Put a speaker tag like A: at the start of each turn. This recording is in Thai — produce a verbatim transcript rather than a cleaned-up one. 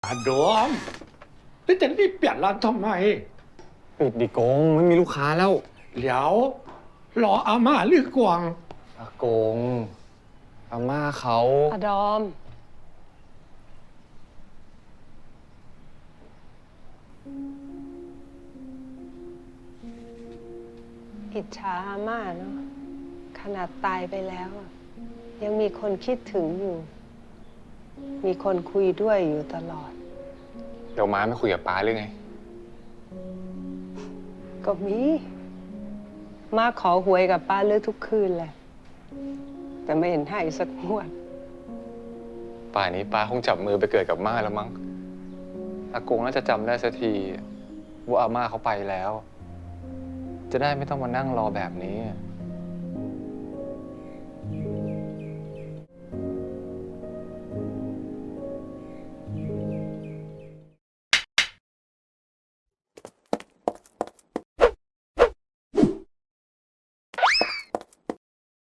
A: อาโดมแล้วจะรีบเปลี่ยนร้านทำไม
B: ปิดดิโกงไม่มีลูกค้าแล้ว
A: เดี๋ยวรออาม่าหรือกวาง
B: อากงอาม่าเขา
C: อดอม อิจฉาอาม่าเนาะขนาดตายไปแล้ว ยังมีคนคิดถึงอยู่ มีคนคุยด้วยอยู่ตลอด
B: เดี๋ยวม้าไม่คุยกับป้าหรือไง
C: ก็มี มาขอหวยกับป้าเลือทุกคืนแหละ แต่ไม่เห็นให้สักงวด
B: ป่านนี้ป้าคงจับมือไปเกิดกับม่าแล้วมั้งอากงน่าจะจำได้สักทีว่าอาม่าเขาไปแล้ว จะได้ไม่ต้องมานั่งรอแบบนี้